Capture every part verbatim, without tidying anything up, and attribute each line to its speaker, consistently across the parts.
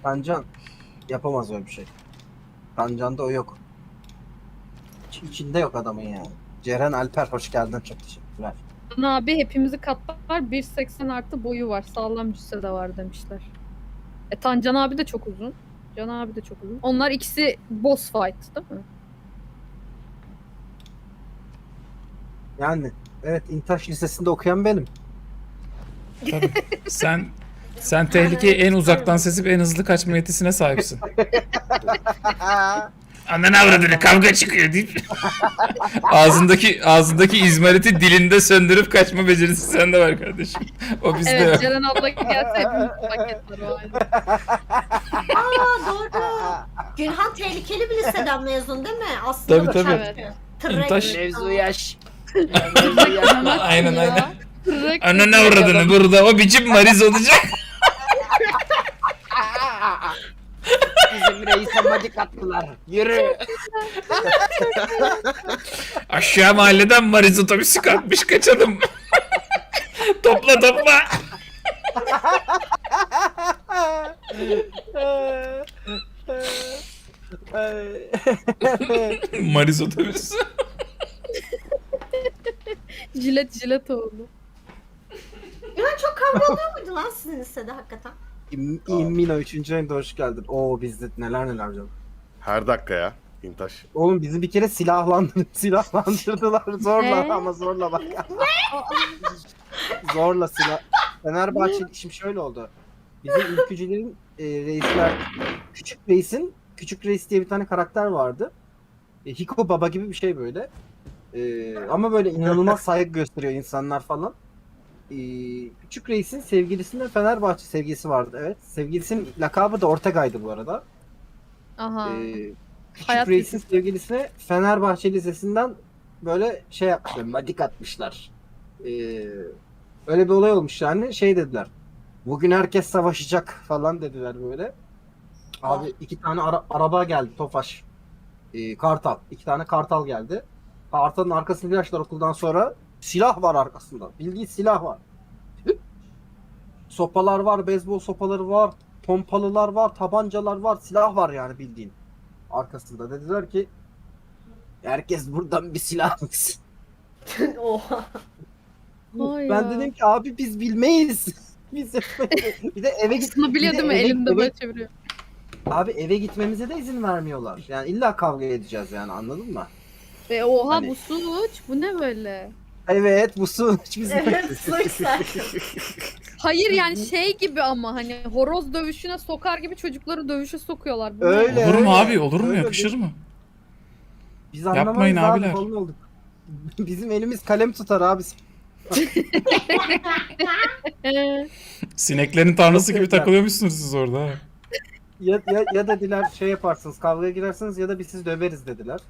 Speaker 1: Tancan yapamaz öyle bir şey. Tancan'da o yok. İç- İçinde yok adamın yani. Ceren Alper hoş geldin, çok teşekkürler.
Speaker 2: Can abi hepimizi katlar. bir seksen artı boyu var. Sağlam cüsse de var demişler. E Tan Can abi de çok uzun. Can abi de çok uzun. Onlar ikisi boss fight değil mi?
Speaker 1: Yani evet, İntaş Lisesi'nde okuyan benim.
Speaker 3: Tabii. Sen sen tehlikeyi en uzaktan sezip en hızlı kaçma yetisine sahipsin. Ananı avradını kavga çıkıyor deyip ağzındaki ağzındaki izmariti dilinde söndürüp kaçma becerisi sende var kardeşim. O bizde
Speaker 2: Evet,
Speaker 3: yok.
Speaker 2: Ceren abla gelse hepimiz paketler o halde.
Speaker 4: Aa doğru. Gülhan tehlikeli bir liseden mezun değil mi? Aslında
Speaker 3: Tabii, tabii.
Speaker 2: Evet.
Speaker 4: Tırrek.
Speaker 3: İntaş-
Speaker 1: Mevzu yaş.
Speaker 3: Aynen
Speaker 2: Ya.
Speaker 3: aynen.
Speaker 2: Direkt
Speaker 3: Ananı avradını burada o biçim mariz olacak.
Speaker 1: Bizim reise madik attılar. Yürü.
Speaker 3: Aşağı mahalleden mariz otobüsü kalkmış kaçalım. Topla topla. Mariz otobüsü.
Speaker 2: jilet jilet oldu.
Speaker 4: Gülhan çok kavga oluyor muydu lan sizin lisede hakikaten?
Speaker 1: İm- İmmino üçüncü ayında hoş geldin. Oo bizde neler neler canım.
Speaker 5: Her dakika ya. İntaş.
Speaker 1: Oğlum bizi bir kere silahlandır silahlandırdılar zorla
Speaker 2: Ne?
Speaker 1: ama zorla bak. Zorla silah. Fenerbahçe şimdi şöyle oldu. Bizim ülkücülerin e, reisler, küçük reisin, küçük reis diye bir tane karakter vardı. E, Hiko Baba gibi bir şey böyle. E, ama böyle inanılmaz saygı gösteriyor insanlar falan. E, küçük reisin sevgilisinde Fenerbahçe sevgilisi vardı, evet. Sevgilisinin lakabı da Ortega'ydı bu arada.
Speaker 2: Aha.
Speaker 1: E, küçük
Speaker 2: Hayat
Speaker 1: reisin
Speaker 2: lisesi.
Speaker 1: sevgilisine Fenerbahçe Lisesi'nden böyle şey yapmışlar, madik atmışlar. E, öyle bir olay olmuş yani, şey dediler. Bugün herkes savaşacak falan dediler böyle. Abi iki tane ara- araba geldi, Tofaş. Ee, Kartal. İki tane Kartal geldi. Kartal'ın arkasını bir açtılar okuldan sonra. Silah var arkasında. Bildiğin silah var. Sopalar var, beyzbol sopaları var. Pompalılar var, tabancalar var. Silah var yani bildiğin. Arkasında. Dediler ki herkes buradan bir silah alsın.
Speaker 4: Oha.
Speaker 2: Vay
Speaker 1: Ben
Speaker 2: ya.
Speaker 1: dedim ki abi biz bilmeyiz. Biz bir de eve git.
Speaker 2: Aslında biliyor
Speaker 1: bir de
Speaker 2: değil mi?
Speaker 1: eve-
Speaker 2: Elinde
Speaker 1: eve-
Speaker 2: böyle çeviriyor.
Speaker 1: Abi eve gitmemize de izin vermiyorlar. Yani illa kavga edeceğiz yani, anladın mı?
Speaker 2: E oha
Speaker 1: Hani-
Speaker 2: bu suç. Bu ne böyle?
Speaker 1: Evet bu su bizim.
Speaker 4: Evet suçlar.
Speaker 2: Hayır yani şey gibi ama hani horoz dövüşüne sokar gibi çocukları dövüşe sokuyorlar. Bu ne?
Speaker 1: Öyle.
Speaker 3: Olur mu
Speaker 1: öyle.
Speaker 3: abi? Olur mu?
Speaker 1: Öyle.
Speaker 3: Yakışır mı?
Speaker 1: Biz
Speaker 3: Yapmayın
Speaker 1: anlamayız
Speaker 3: abiler.
Speaker 1: abi falan olduk. Bizim elimiz kalem tutar abi.
Speaker 2: Ee,
Speaker 3: Sineklerin tanrısı
Speaker 1: Yok,
Speaker 3: gibi
Speaker 1: yok ya.
Speaker 3: takılıyormuşsunuz siz orada ha.
Speaker 1: Ya, ya, ya dediler şey yaparsınız, kavgaya girersiniz ya da biz sizi döveriz dediler.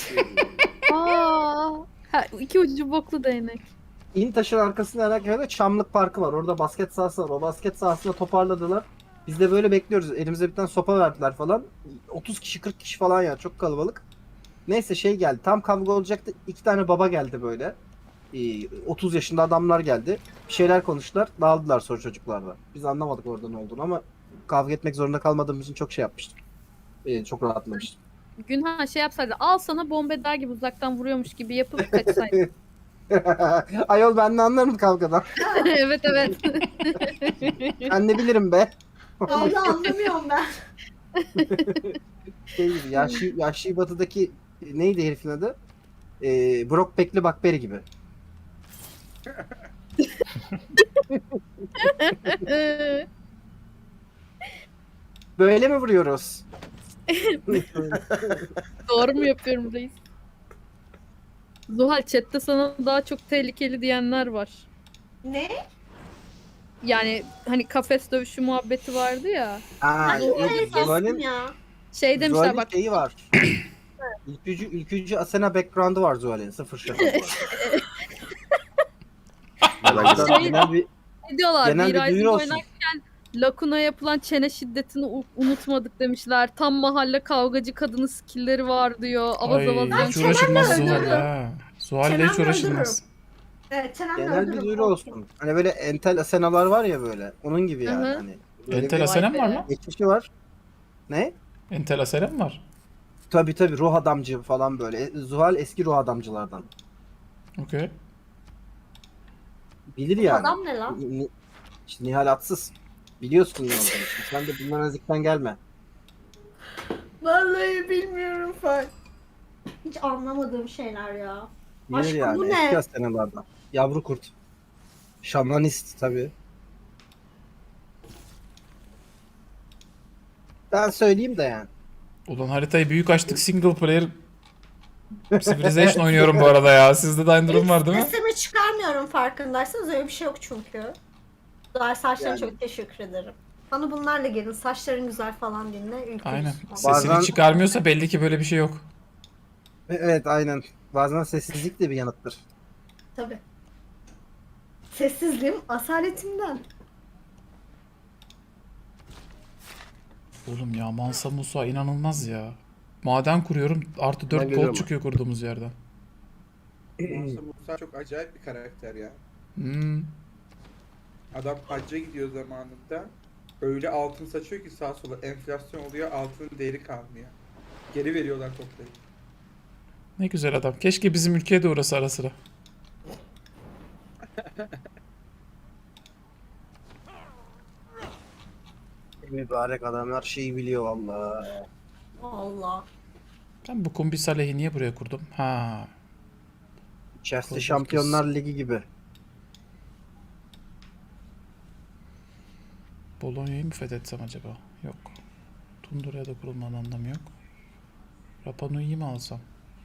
Speaker 2: aa, ha, iki ucu boklu değnek.
Speaker 1: İntaş'ın arkasında herhangi Çamlık Parkı var. Orada basket sahası var. O basket sahasında toparladılar. Biz de böyle bekliyoruz. Elimize bir tane sopa verdiler falan. otuz kişi kırk kişi falan ya, çok kalabalık. Neyse şey geldi. Tam kavga olacaktı. İki tane baba geldi böyle. Ee, otuz yaşında adamlar geldi. Bir şeyler konuştular. Dağıldılar sonra çocuklarla. Biz anlamadık orada ne olduğunu ama kavga etmek zorunda kalmadığımız için çok şey yapmıştım. Ee, çok rahatlamıştım.
Speaker 2: Günhan şey yapsaydı al sana bombe der gibi uzaktan vuruyormuş gibi yapıp kaçsaydı.
Speaker 1: Ayol ben ne anlarım kavgadan.
Speaker 2: evet evet.
Speaker 1: Ben ne bilirim be.
Speaker 4: Vallahi anlamıyorum ben.
Speaker 1: Şey gibi, Yaşlı, Yaşlı Batı'daki neydi herifin adı? Ee, Brock Bekli Bakberi gibi.
Speaker 2: Ee,
Speaker 1: Böyle mi vuruyoruz?
Speaker 2: Doğru mu yapıyorum reis? Zuhal chatte sana daha çok tehlikeli diyenler var.
Speaker 4: Ne?
Speaker 2: Yani hani kafes dövüşü muhabbeti vardı ya.
Speaker 1: Aa,
Speaker 4: Ben
Speaker 1: yok,
Speaker 4: evet aslım
Speaker 1: Zuhal'in
Speaker 4: ya.
Speaker 2: Şey demişler
Speaker 1: Zuhal'in
Speaker 2: bak
Speaker 1: şeyi var. ülkücü, ülkücü Asena background'ı var Zuhal'in. Sıfır şaka var. Buradan
Speaker 2: Şey-
Speaker 1: genel bir,
Speaker 2: ne diyorlar
Speaker 1: genel
Speaker 2: bir
Speaker 1: bir
Speaker 2: Rising
Speaker 1: duyuru olsun.
Speaker 2: oynarken Lakun'a yapılan çene şiddetini u- unutmadık demişler. Tam mahalle kavgacı kadının skillleri var diyor. Avaz
Speaker 3: Ay
Speaker 2: avaz.
Speaker 3: hiç
Speaker 4: çenemle
Speaker 3: uğraşılmaz
Speaker 4: öldürürüm.
Speaker 3: Zuhal ha. Zuhal'le hiç
Speaker 4: Çenemle
Speaker 3: uğraşılmaz.
Speaker 4: Evet çenemle
Speaker 1: genel bir
Speaker 4: öldürürüm.
Speaker 1: duyuru olsun. Hani böyle entel Asena'lar var ya böyle. Onun gibi yani.
Speaker 2: Hı hı.
Speaker 1: Hani böyle
Speaker 3: Entel
Speaker 1: bir
Speaker 3: Asenem var
Speaker 2: be.
Speaker 3: lan.
Speaker 1: geçmişi var. Ne?
Speaker 3: Entela Selam var.
Speaker 1: Tabi tabi ruh adamcı falan böyle. E, Zuhal eski ruh adamcılardan.
Speaker 3: Okey.
Speaker 1: Bilir
Speaker 4: Bu
Speaker 1: yani.
Speaker 4: adam ne lan?
Speaker 1: Ni- İşte Nihal Atsız. Biliyorsun ne olduğunu. Şimdi sen de bundan ezikten gelme.
Speaker 4: Vallahi bilmiyorum Fay. Hiç anlamadığım şeyler ya.
Speaker 1: Bilir
Speaker 4: Aşkım,
Speaker 1: yani.
Speaker 4: bu ne?
Speaker 1: Eski hastanelerden. Yavru kurt. Şamanist tabi. Ben söyleyeyim de yani.
Speaker 3: Ulan haritayı büyük açtık, single player Civilization oynuyorum bu arada ya. Sizde de aynı durum var değil mi?
Speaker 4: Sesimi çıkarmıyorum farkındaysanız, öyle bir şey yok çünkü. Güzel saçların
Speaker 1: Yani.
Speaker 4: çok teşekkür ederim. Bana bunlarla gelin, saçların güzel falan dinle. Ülkemiz
Speaker 3: Aynen.
Speaker 4: falan.
Speaker 3: Sesini
Speaker 1: Bazen-
Speaker 3: çıkarmıyorsa belli ki böyle bir şey yok.
Speaker 1: Evet aynen. Bazen sessizlik de bir yanıttır.
Speaker 4: Tabii. Sessizliğim asaletimden.
Speaker 3: Oğlum ya Mansa Musa inanılmaz ya. Maden kuruyorum, artı
Speaker 1: Ben
Speaker 3: dört gold
Speaker 1: görüyorum.
Speaker 3: çıkıyor kurduğumuz yerden.
Speaker 6: Musa Musa çok acayip bir karakter ya.
Speaker 3: Hmm.
Speaker 6: Adam hacca gidiyor zamanında. Öyle altın saçıyor ki sağa sola enflasyon oluyor, altının değeri kalmıyor. Geri veriyorlar toplayıp.
Speaker 3: Ne güzel adam. Keşke bizim ülkeye de uğrasa ara sıra.
Speaker 1: Mübarek adam her şeyi biliyor vallahi.
Speaker 4: Allah.
Speaker 3: Ben bu Kumbi Saleh'i niye buraya kurdum? Ha.
Speaker 1: Chelsea
Speaker 3: Kurduk
Speaker 1: Şampiyonlar Ligi gibi.
Speaker 3: Bolonya'yı mı fethetsem acaba? Yok. Tundura'ya da kurulmanın anlamı yok. Rapa Nui'yi mi alsam?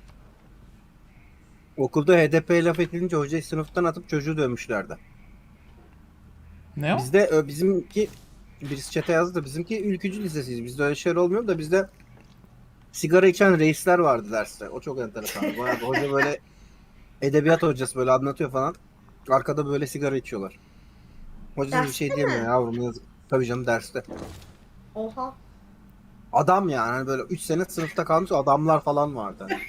Speaker 1: Okulda H D P laf edilince hocayı sınıftan atıp çocuğu dövmüşlerdi.
Speaker 3: Ne o?
Speaker 1: Bizde ö, bizimki birisi çete yazdı da bizimki ülkücü lisesiyiz. Bizde öyle şeyler olmuyor da bizde sigara içen reisler vardı derste. O çok enteresan. Bayağı bir hoca böyle edebiyat hocası böyle anlatıyor falan. Arkada böyle sigara içiyorlar. Hoca bir
Speaker 4: Derste
Speaker 1: şey
Speaker 4: mi?
Speaker 1: diyemiyor yavrum yazık. Tabii canım derste.
Speaker 4: Oha.
Speaker 1: Adam yani hani böyle üç sene sınıfta kalmış adamlar falan vardı. Hani.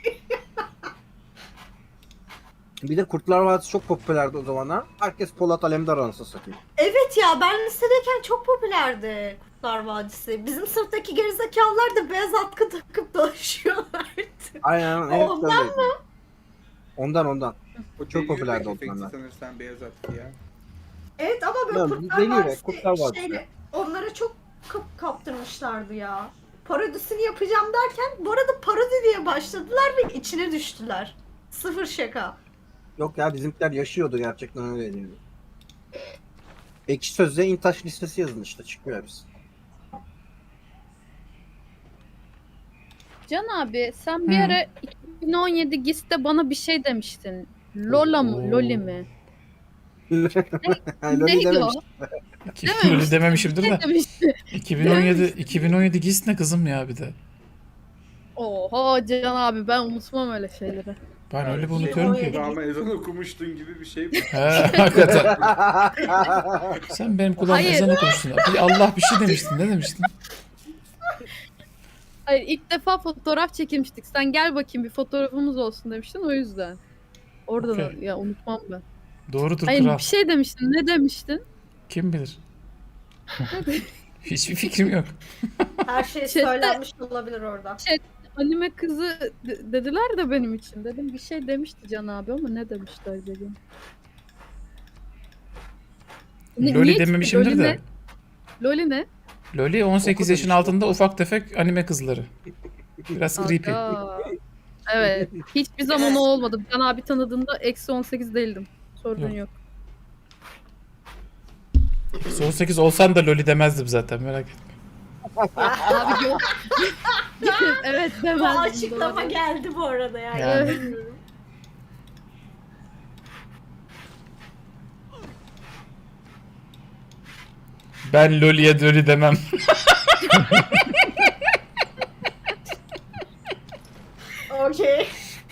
Speaker 1: Bir de Kurtlar Vadisi çok popülerdi o zamanlar. Herkes Polat Alemdar anasını satıyor.
Speaker 4: Evet ya, ben lisedeyken çok popülerdi Kurtlar Vadisi. Bizim sınıftaki gerizekalılar da beyaz atkı takıp dolaşıyorlardı.
Speaker 1: Aynen. evet,
Speaker 4: Ondan
Speaker 1: öyleydi. Ondan ondan.
Speaker 6: O
Speaker 1: Çok
Speaker 6: deli
Speaker 1: popülerdi
Speaker 6: yürek
Speaker 1: o
Speaker 6: efekti
Speaker 1: zamanlar.
Speaker 6: sanırsan beyaz attı ya.
Speaker 4: Evet ama böyle
Speaker 1: Ya,
Speaker 4: Kurtlar
Speaker 1: deli yürek,
Speaker 4: Vadisi
Speaker 1: Kurtlar Vadisi.
Speaker 4: şeyle- onlara çok kap kaptırmışlardı ya. Parodisini yapacağım derken bu arada parodi diye başladılar ve içine düştüler. Sıfır şaka.
Speaker 1: Yok ya bizimkiler yaşıyordu gerçekten öyleydi. Ekşi Sözlüğe İntaş listesi yazın işte çıkıyor hepsi.
Speaker 2: Can abi sen bir
Speaker 3: Hı.
Speaker 2: ara iki bin on yedi GİS'te bana bir şey demiştin. Lola mı?
Speaker 3: Oo.
Speaker 2: Loli mi?
Speaker 1: Loli
Speaker 2: Neydi o?
Speaker 1: dememiş.
Speaker 3: Öyle dememişimdir
Speaker 2: Ne
Speaker 3: de.
Speaker 2: demiştin?
Speaker 3: iki bin on yedi iki bin on yedi GİS ne kızım ya bir de.
Speaker 2: Oha Can abi ben unutmam öyle şeyleri.
Speaker 3: Ben öyle bir
Speaker 6: Şey,
Speaker 3: unutuyorum ki.
Speaker 6: Kulağıma ezan okumuştun gibi bir şey bu.
Speaker 3: He hakikaten. Sen benim kulağım
Speaker 2: Hayır.
Speaker 3: ezan okumuştun. Bir Allah bir şey demiştin. Ne demiştin?
Speaker 2: Hayır ilk defa fotoğraf çekilmiştik. Sen gel bakayım bir fotoğrafımız olsun demiştin o yüzden. Oradan
Speaker 3: Okey.
Speaker 2: ya unutmam ben.
Speaker 3: Doğrudur
Speaker 2: Hayır
Speaker 3: kral.
Speaker 2: bir şey demiştin. Ne demiştin?
Speaker 3: Kim bilir? Hiçbir fikrim yok.
Speaker 4: Her şey
Speaker 2: Chatte-
Speaker 4: söylenmiş olabilir orada.
Speaker 2: Anime kızı de- dediler de benim için. Dedim bir şey demişti Can abi ama ne demişler dedim. Ne-
Speaker 3: Loli
Speaker 2: niye ki?
Speaker 3: dememişimdir
Speaker 2: Loli
Speaker 3: de.
Speaker 2: ne? Loli ne?
Speaker 3: Loli on sekiz
Speaker 1: Okudum
Speaker 3: yaşın
Speaker 1: işte.
Speaker 3: altında ufak tefek anime kızları. Biraz creepy.
Speaker 2: Aga. Evet. Hiçbir zaman o olmadı. Can abi tanıdığında eksi on sekiz değildim. Sorun
Speaker 3: Yok.
Speaker 2: yok.
Speaker 3: on sekiz olsan da Loli demezdim zaten merak etme.
Speaker 2: Abi yok. evet
Speaker 4: Bu
Speaker 2: demezdim.
Speaker 4: açıklama
Speaker 2: doğru.
Speaker 4: geldi bu arada ya.
Speaker 3: Yani.
Speaker 4: inanamıyorum.
Speaker 3: Ben Loli'ye Loli demem.
Speaker 4: Okey.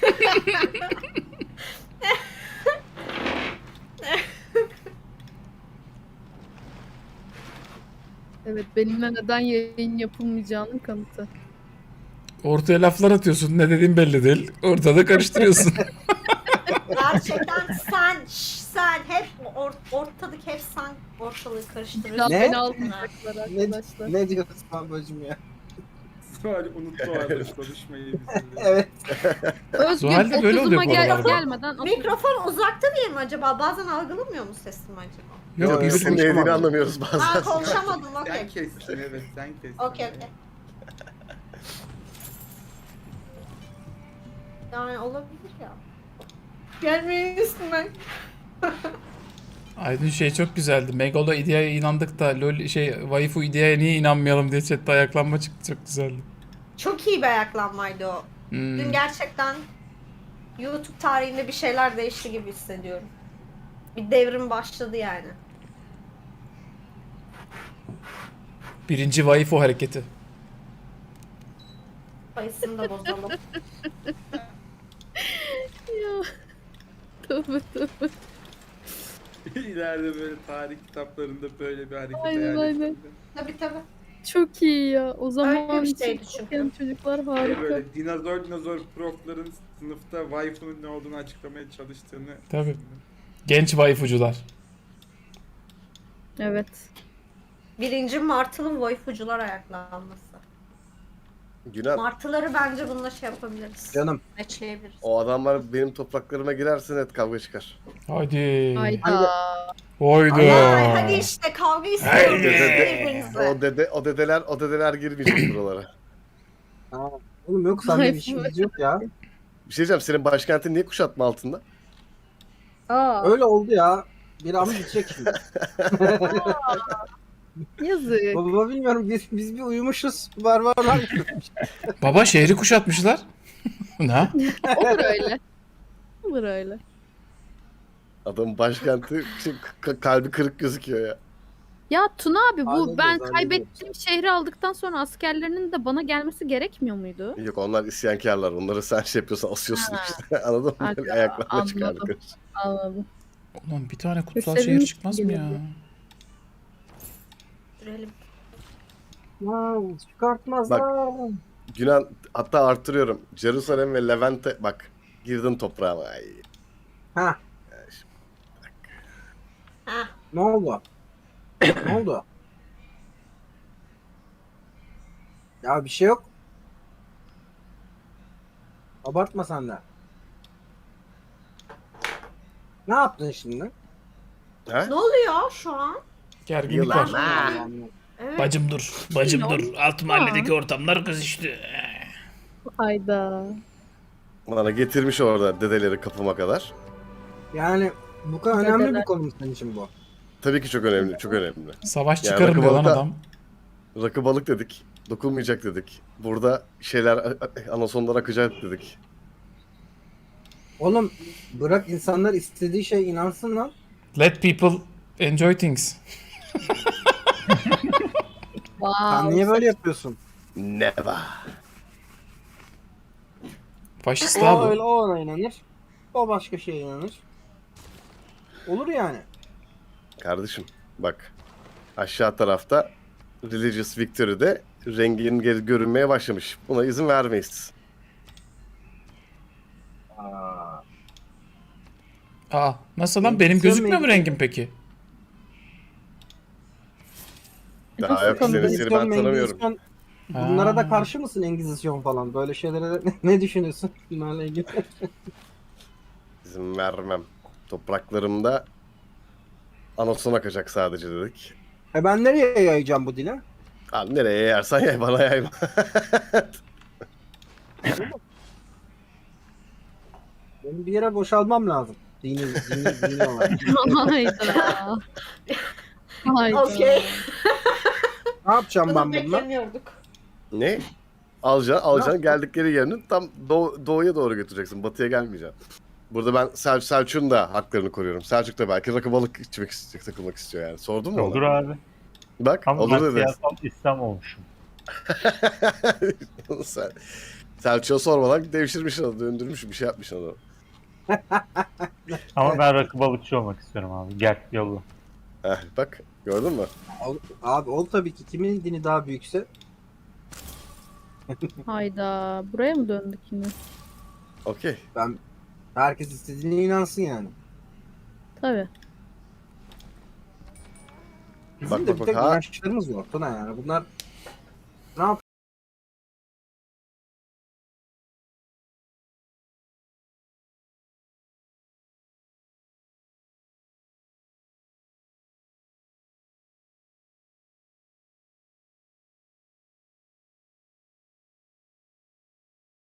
Speaker 2: Evet benimle neden yayın yapılmayacağının kanıtı.
Speaker 3: Ortaya laflar atıyorsun. Ne dediğin belli değil. Ortada karıştırıyorsun.
Speaker 4: Gerçekten sen, şş, sen hep or, ortalık hep sen ortalığı karıştırıyorsun.
Speaker 2: Laf
Speaker 1: Ne?
Speaker 2: beni almayacaklar
Speaker 1: ne,
Speaker 2: arkadaşlar.
Speaker 1: ne diyorsun babacım ya?
Speaker 6: Zuhal unuttu artık konuşmayı bizimle.
Speaker 1: Evet.
Speaker 2: Özgür
Speaker 3: Zuhal'de böyle
Speaker 2: otuzuma
Speaker 3: oluyor bu
Speaker 2: gel,
Speaker 3: aralarda.
Speaker 2: gelmeden atıyor.
Speaker 4: Mikrofon uzakta diye mi acaba? Bazen algılamıyor mu sesimi acaba?
Speaker 3: Yok,
Speaker 1: Yok,
Speaker 3: biz
Speaker 1: yok.
Speaker 5: Senin ne dediğini
Speaker 1: konuşamadım.
Speaker 5: anlamıyoruz
Speaker 4: Ha
Speaker 5: bazen.
Speaker 4: konuşamadım
Speaker 6: Sen
Speaker 4: okey.
Speaker 6: kestin evet sen kestin.
Speaker 4: Okey okey. Yani olabilir ya. Gelmeyin üstüme.
Speaker 3: Aydın şey çok güzeldi. Megalo ideaya inandık da lol şey waifu ideaya niye inanmayalım diye chatte ayaklanma çıktı, çok güzeldi.
Speaker 4: Çok iyi bir ayaklanmaydı o.
Speaker 3: Hmm.
Speaker 4: Dün gerçekten YouTube tarihinde bir şeyler değişti gibi hissediyorum. Bir devrim başladı yani.
Speaker 3: Birinci waifu hareketi.
Speaker 4: Sayısını da bozalım.
Speaker 2: Ya. Tövbe tövbe.
Speaker 6: İleride böyle tarih kitaplarında böyle bir hareket
Speaker 2: Aynen,
Speaker 6: hayal
Speaker 2: aynen.
Speaker 6: ettim.
Speaker 4: Tabii tabii.
Speaker 2: Çok iyi ya. O zaman
Speaker 4: Öyle bir şeydi
Speaker 2: için
Speaker 4: çünkü.
Speaker 2: okuyan çocuklar
Speaker 6: Şey
Speaker 2: harika.
Speaker 6: böyle dinozor dinozor profların sınıfta waifu'nun ne olduğunu açıklamaya çalıştığını
Speaker 3: Tabii.
Speaker 6: düşündüm.
Speaker 3: Genç waifucular.
Speaker 2: Evet.
Speaker 4: Birinci martılı waifucular ayaklanması.
Speaker 5: Günan,
Speaker 4: Martıları bence bununla şey yapabiliriz.
Speaker 1: Canım.
Speaker 4: Meçleyebiliriz.
Speaker 5: o adamlar benim topraklarıma girerse net kavga çıkar.
Speaker 3: Hadi.
Speaker 2: Hayda.
Speaker 3: Haydi.
Speaker 4: Ay, hadi işte kavga istiyorum birbirinize.
Speaker 5: O dede, o dedeler, o dedeler girmeyecek buralara.
Speaker 1: Ha, oğlum yok sende
Speaker 2: Ay,
Speaker 1: bir işimiz yok ya.
Speaker 5: Bir şey diyeceğim, senin başkentin niye kuşatma altında?
Speaker 2: Aa,
Speaker 1: Öyle oldu ya. Bir an gidecek şimdi.
Speaker 2: yazık.
Speaker 1: Baba bilmiyorum biz, biz bir uyumuşuz. Var varlar.
Speaker 3: Baba şehri kuşatmışlar. Ne?
Speaker 2: Olur öyle. Olur öyle.
Speaker 5: Adamın başkenti şey, k- kalbi kırık gözüküyor ya.
Speaker 2: Ya Tuna abi bu
Speaker 1: Hallediyoruz,
Speaker 2: ben
Speaker 1: hallediyoruz.
Speaker 2: kaybettiğim şehri aldıktan sonra askerlerinin de bana gelmesi gerekmiyor muydu?
Speaker 5: Yok, onlar isyankarlar. Onları sen şey yapıyorsan asıyorsun
Speaker 2: Ha.
Speaker 5: işte. Anladın mı?
Speaker 2: Aga,
Speaker 5: Böyle ayaklarına
Speaker 2: anladım.
Speaker 5: çıkardık.
Speaker 2: Anladım.
Speaker 3: Ulan bir tane kutsal
Speaker 2: Gösterilmiş
Speaker 3: şehir çıkmaz mı ya?
Speaker 2: gibi.
Speaker 4: Görelim.
Speaker 1: Wow, çıkartmazlar.
Speaker 5: Günan, hatta artırıyorum. Jerusalem ve Levent'e bak. Girdin toprağıma. Ay.
Speaker 1: Ha,
Speaker 4: Heh.
Speaker 1: ne oldu? Ne oldu? Ya bir şey yok. Abartma sen de. Ne yaptın şimdi?
Speaker 5: Ha?
Speaker 4: Ne oluyor şu an?
Speaker 3: Gerginlik
Speaker 5: Yılan.
Speaker 3: var.
Speaker 5: Ha.
Speaker 4: Evet.
Speaker 3: Bacım dur. Bacım dur. Alt mahalledeki ortamlar kızıştı.
Speaker 2: Hayda.
Speaker 5: Bana getirmiş orada dedeleri kapıma kadar.
Speaker 1: Yani bu kadar
Speaker 2: Dedeler.
Speaker 1: önemli bir konu mu senin için bu?
Speaker 5: Tabii ki çok önemli, çok önemli.
Speaker 3: Savaş
Speaker 5: Ya,
Speaker 3: çıkarım diyor lan
Speaker 5: rakı
Speaker 3: adam.
Speaker 5: Rakı balık dedik. Dokunmayacak dedik. Burada şeyler anasondan akacak dedik.
Speaker 1: Oğlum bırak insanlar istediği şeye inansın lan.
Speaker 3: Let people enjoy things.
Speaker 2: Wow.
Speaker 1: Sen niye böyle yapıyorsun?
Speaker 5: Never.
Speaker 3: Faşist
Speaker 1: O
Speaker 3: abi.
Speaker 1: öyle o ona inanır. O başka şeye inanır. Olur yani.
Speaker 5: Kardeşim bak. Aşağı tarafta Religious Victory'de rengin geri görünmeye başlamış. Buna izin vermeyiz.
Speaker 1: Aa,
Speaker 3: Aa, nasıl lan? Benim
Speaker 1: Engizisyon
Speaker 3: gözükmüyor mu
Speaker 1: mu?
Speaker 3: rengim peki?
Speaker 5: Daha
Speaker 2: Nasıl
Speaker 5: yok, seni
Speaker 2: tanıdın?
Speaker 5: seni ben tanımıyorum.
Speaker 1: Engizisyon- Bunlara da
Speaker 3: Aa.
Speaker 1: karşı mısın Engizisyon falan? Böyle şeylere de ne düşünüyorsun bunlarla ilgili?
Speaker 5: İzin vermem. Topraklarımda anason akacak sadece dedik.
Speaker 1: E ben nereye yayacağım bu dile?
Speaker 5: Abi nereye yersen yay, bana yayma.
Speaker 1: Benim bir yere boşalmam lazım. Dini, dini, dini olarak.
Speaker 2: Hayda. Hayda.
Speaker 4: Okey.
Speaker 1: Ne yapacağım
Speaker 4: Bunu
Speaker 1: ben bununla?
Speaker 4: beklemiyorduk.
Speaker 5: Ne? Alacaksın, alacaksın geldikleri yerini tam doğu, doğuya doğru götüreceksin. Batıya gelmeyeceksin. Burada ben Sel Selçuk'un da haklarını koruyorum. Selçuk da belki rakı balık içmek isteyecek, takılmak istiyor yani. Sordun mu
Speaker 7: Olur
Speaker 5: ona?
Speaker 7: abi.
Speaker 5: Bak,
Speaker 7: Ama
Speaker 5: olur
Speaker 7: ben
Speaker 5: dedi.
Speaker 7: siyasal İslam olmuşum.
Speaker 5: Sel Selçuk'a sormadan devşirmiş onu, döndürmüş, bir şey yapmış onu.
Speaker 7: Ama ben rakı balıkçı olmak istiyorum abi. Gel yolla.
Speaker 5: Heh, bak, gördün mü?
Speaker 1: Ol- Abi ol tabii ki. Kimin dini daha büyükse.
Speaker 2: Hayda. Buraya mı döndük yine?
Speaker 5: Okey.
Speaker 1: Ben herkes istediğine inansın yani. Bizim
Speaker 5: Bak,
Speaker 1: de
Speaker 5: bak,
Speaker 1: bir tek
Speaker 5: bak, ha.
Speaker 1: inançlarımız yok. Tuna yani. Bunlar